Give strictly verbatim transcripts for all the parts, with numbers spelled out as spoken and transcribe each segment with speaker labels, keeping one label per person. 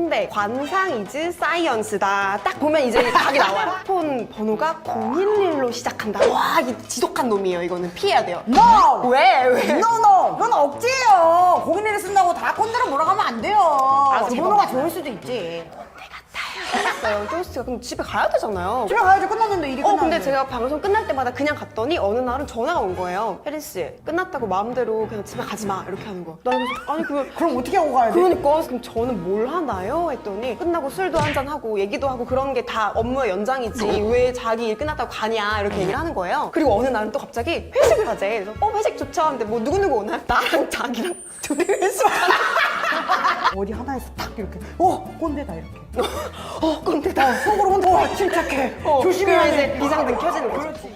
Speaker 1: 홍대 관상 이즈 사이언스다. 딱 보면 이제 답이 나와요. 폰 번호가 공일일로 시작한다. 와, 이 지독한 놈이에요. 이거는 피해야 돼요.
Speaker 2: No!
Speaker 1: 왜? 왜?
Speaker 2: No, no! 그건 억지예요. 고객님이 쓴다고 다 꼰대로 몰아가면 안 돼요.
Speaker 1: 아,
Speaker 2: 그 번호가 좋을 수도 있지.
Speaker 1: 끝났어요. 쇼스가 그럼 집에 가야 되잖아요.
Speaker 2: 집에 가야지. 끝났는데 일이
Speaker 1: 어
Speaker 2: 끝났는데.
Speaker 1: 근데 제가 방송 끝날 때마다 그냥 갔더니 어느 날은 전화가 온 거예요. 혜린 씨 끝났다고 마음대로 그냥 집에 가지 마 이렇게 하는 거야. 나는 그래서 아니 그거
Speaker 2: 그럼 어떻게 하고 가야 돼?
Speaker 1: 그러니까 그럼 저는 뭘 하나요? 했더니 끝나고 술도 한잔 하고 얘기도 하고 그런 게 다 업무의 연장이지 왜 자기 일 끝났다고 가냐 이렇게 얘기를 하는 거예요. 그리고 어느 날은 또 갑자기 회식을 하재. 그래서 어 회식 좋죠. 근데 뭐 누구누구 오나? 나랑 자기랑 둘이 회식하는
Speaker 2: 어디 하나에서 딱 이렇게 어 꼰대다 이렇게.
Speaker 1: 어 꼰대다.
Speaker 2: 속으로 혼자 와 침착해.
Speaker 1: 어,
Speaker 2: 조심해야
Speaker 1: 그래야
Speaker 2: 돼.
Speaker 1: 이제 비상등 켜지는 거죠.
Speaker 2: 그렇지.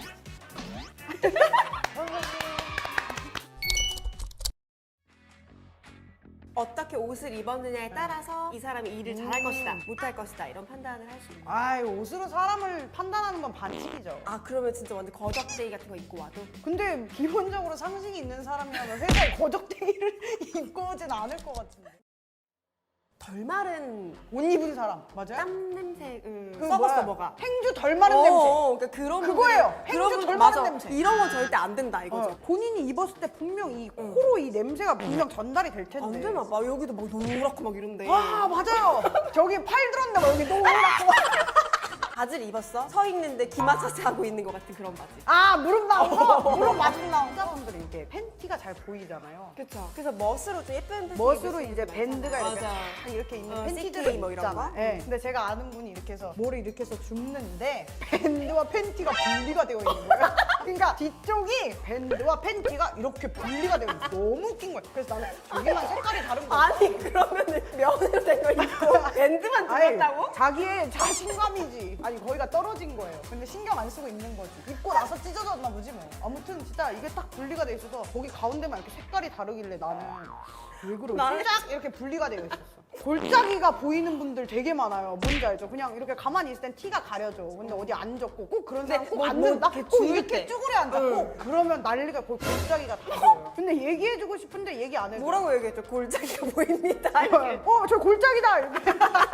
Speaker 1: 어떻게 옷을 입었느냐에 따라서 이 사람이 일을 잘할 것이다, 못할 것이다 이런 판단을 할 수 있는 거예요.
Speaker 2: 아이 옷으로 사람을 판단하는 건 반칙이죠.
Speaker 1: 아 그러면 진짜 완전 거적대기 같은 거 입고 와도?
Speaker 2: 근데 기본적으로 상식이 있는 사람이라면 회사에 거적대기를 입고 오진 않을 것 같은데.
Speaker 1: 덜 마른
Speaker 2: 옷 입은 사람 맞아요?
Speaker 1: 땀 냄새 음,
Speaker 2: 그
Speaker 1: 썩었어
Speaker 2: 뭐야,
Speaker 1: 뭐가.
Speaker 2: 행주 덜 마른
Speaker 1: 어,
Speaker 2: 냄새.
Speaker 1: 어, 그러니까 그런
Speaker 2: 그거예요.
Speaker 1: 분들은- 그런
Speaker 2: 행주
Speaker 1: 분들-
Speaker 2: 덜
Speaker 1: 맞아.
Speaker 2: 마른 냄새.
Speaker 1: 이런 건 절대 안 된다 이거죠.
Speaker 2: 어, 본인이 입었을 때 분명 이 코로 이 냄새가 분명 전달이 될 텐데.
Speaker 1: 안 되나 봐. 여기도 막 노랗고 막 이런데.
Speaker 2: 아 맞아요. 저기 팔 들었는데 막 여기 노랗고.
Speaker 1: 바지를 입었어? 서 있는데 기 마사지 하고 있는 것 같은 그런 바지.
Speaker 2: 아 무릎 나오고 무릎 마중 나오고. 여자분들이 이렇게 팬티가 잘 보이잖아요.
Speaker 1: 그렇죠. 그래서 멋으로 좀 예쁜 팬티
Speaker 2: 멋으로
Speaker 1: 입을 수
Speaker 2: 이제
Speaker 1: 있는 거
Speaker 2: 밴드가
Speaker 1: 있잖아요.
Speaker 2: 이렇게
Speaker 1: 맞아.
Speaker 2: 딱 이렇게 있는
Speaker 1: 어,
Speaker 2: 팬티들이
Speaker 1: 씨케이 뭐 이런
Speaker 2: 있잖아.
Speaker 1: 거?
Speaker 2: 네. 근데 제가 아는 분이 이렇게 해서 뭐를 이렇게 해서 줍는데 밴드와 팬티가 분리가 되어 있는 거예요. 그러니까 뒤쪽이 밴드와 팬티가 이렇게 분리가 되어 있어. 너무 웃긴 거예요. 그래서 나는 저기만 색깔이 다른 거야.
Speaker 1: 아니 그러면은 면으로 된 거 입고 밴드만 들었다고?
Speaker 2: 자기의 자신감이지. 아니 거기가 떨어진 거예요. 근데 신경 안 쓰고 입는 거지. 입고 나서 찢어졌나 보지 뭐. 아무튼 진짜 이게 딱 분리가 돼 있어서 거기 가운데만 이렇게 색깔이 다르길래 나는 왜 그러지?
Speaker 1: 나는-
Speaker 2: 딱 이렇게 분리가 되어 있었어. 골짜기가 보이는 분들 되게 많아요. 뭔지 알죠? 그냥 이렇게 가만히 있을 땐 티가 가려져. 근데 어디 앉았고 꼭 그런 사람 꼭
Speaker 1: 뭐,
Speaker 2: 앉는다?
Speaker 1: 뭐 이렇게
Speaker 2: 꼭
Speaker 1: 죽을
Speaker 2: 이렇게
Speaker 1: 때.
Speaker 2: 쭈그려 앉아.
Speaker 1: 응.
Speaker 2: 꼭 그러면 난리가 거의 골짜기가 다 보여요. 근데 얘기해주고 싶은데 얘기 안 해줘.
Speaker 1: 뭐라고 얘기했죠? 골짜기가 보입니다. 이렇게.
Speaker 2: 어, 저 골짜기다! 이렇게.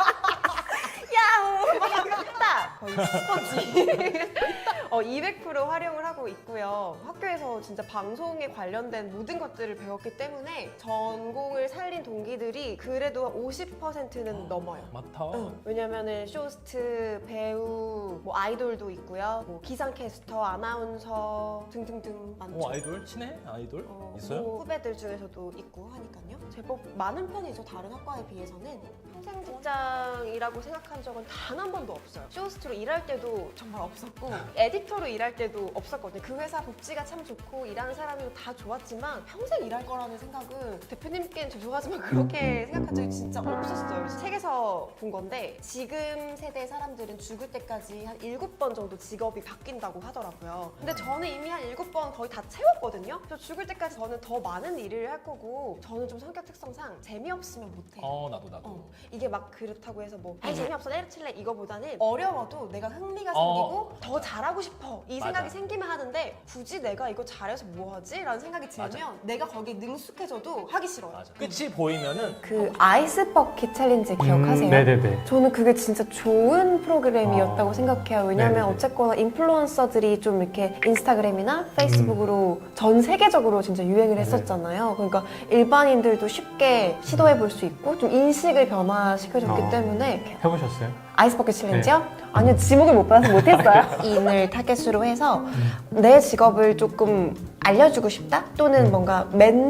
Speaker 1: 야호! 딱! 거의 스포지. 어, 이백 퍼센트 활용을 하고 있고요. 학교에서 진짜 방송에 관련된 모든 것들을 배웠기 때문에 전공을 살린 동기들이 그래도 오십 퍼센트는 넘어요.
Speaker 3: 많다.
Speaker 1: 응. 왜냐면은 쇼스트, 배우, 뭐 아이돌도 있고요. 뭐 기상캐스터, 아나운서 등등등 많죠.
Speaker 3: 어, 아이돌? 친해? 아이돌?
Speaker 1: 어,
Speaker 3: 있어요?
Speaker 1: 뭐 후배들 중에서도 있고 하니까요. 제법 많은 편이죠. 다른 학과에 비해서는. 평생 직장이라고 생각한 적은 단 한 번도 없어요. 쇼호스트로 일할 때도 정말 없었고 에디터로 일할 때도 없었거든요. 그 회사 복지가 참 좋고 일하는 사람이 다 좋았지만 평생 일할 거라는 생각은 대표님께는 죄송하지만 그렇게 생각한 적이 진짜 없었어요. 책에서 본 건데 지금 세대 사람들은 죽을 때까지 한 일곱 번 정도 직업이 바뀐다고 하더라고요. 근데 저는 이미 한 일곱 번 거의 다 채웠거든요. 저 죽을 때까지 저는 더 많은 일을 할 거고 저는 좀 성격 특성상 재미없으면 못해요.
Speaker 3: 어, 나도 나도.
Speaker 1: 어, 이게 막 그렇다고 해서 뭐 아니 재미없어 때려칠래 이거보다는 어려워도 내가 흥미가
Speaker 3: 어.
Speaker 1: 생기고 더 잘하고 싶어 이
Speaker 3: 맞아.
Speaker 1: 생각이 생기면 하는데 굳이 내가 이거 잘해서 뭐하지? 라는 생각이 들면
Speaker 3: 맞아.
Speaker 1: 내가 거기에 능숙해져도 하기 싫어요.
Speaker 3: 맞아. 끝이 보이면은
Speaker 1: 그 아이스 버킷 챌린지 기억하세요?
Speaker 4: 음, 네네네.
Speaker 1: 저는 그게 진짜 좋은 프로그램이었다고
Speaker 4: 아,
Speaker 1: 생각해요. 왜냐면
Speaker 4: 네네네.
Speaker 1: 어쨌거나 인플루언서들이 좀 이렇게 인스타그램이나 페이스북으로 전 세계적으로 진짜 유행을 했었잖아요. 그러니까 일반인들도 쉽게 시도해 볼 수 있고 좀 인식을 변화시켜줬기
Speaker 4: 아.
Speaker 1: 때문에 이렇게
Speaker 4: 해보셨어요?
Speaker 1: 아이스버킷 챌린지요? 아니요, 지목을 못 받아서 못했어요. 인을 타겟으로 해서 내 직업을 조금 알려주고 싶다? 또는 뭔가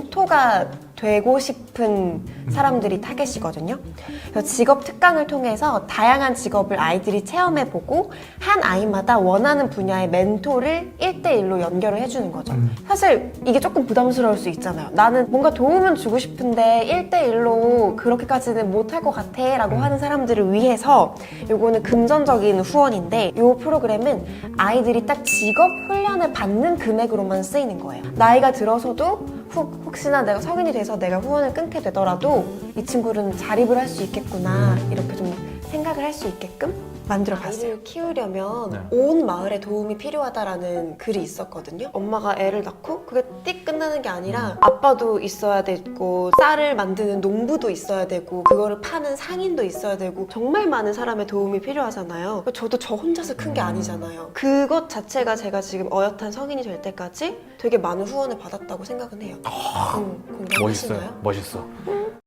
Speaker 1: 멘토가 되고 싶은 사람들이 타겟이거든요. 그래서 직업 특강을 통해서 다양한 직업을 아이들이 체험해보고 한 아이마다 원하는 분야의 멘토를 일 대일로 연결을 해주는 거죠. 사실 이게 조금 부담스러울 수 있잖아요. 나는 뭔가 도움은 주고 싶은데 일 대일로 그렇게까지는 못할 것 같아 라고 하는 사람들을 위해서 요거는 금전적인 후원인데 이 프로그램은 아이들이 딱 직업 훈련을 받는 금액으로만 쓰이는 거예요. 나이가 들어서도 혹, 혹시나 내가 성인이 돼서 내가 후원을 끊게 되더라도 이 친구는 자립을 할 수 있겠구나 이렇게 좀 생각을 할 수 있게끔 만들어봤어요. 아이를 키우려면
Speaker 4: 네.
Speaker 1: 온 마을에 도움이 필요하다라는 글이 있었거든요. 엄마가 애를 낳고 그게 띡 끝나는 게 아니라 아빠도 있어야 되고 쌀을 만드는 농부도 있어야 되고 그거를 파는 상인도 있어야 되고 정말 많은 사람의 도움이 필요하잖아요. 저도 저 혼자서 큰 게 아니잖아요. 그것 자체가 제가 지금 어엿한 성인이 될 때까지 되게 많은 후원을 받았다고 생각은 해요. 음, 공감하시나요?
Speaker 4: 멋있어요. 멋있어.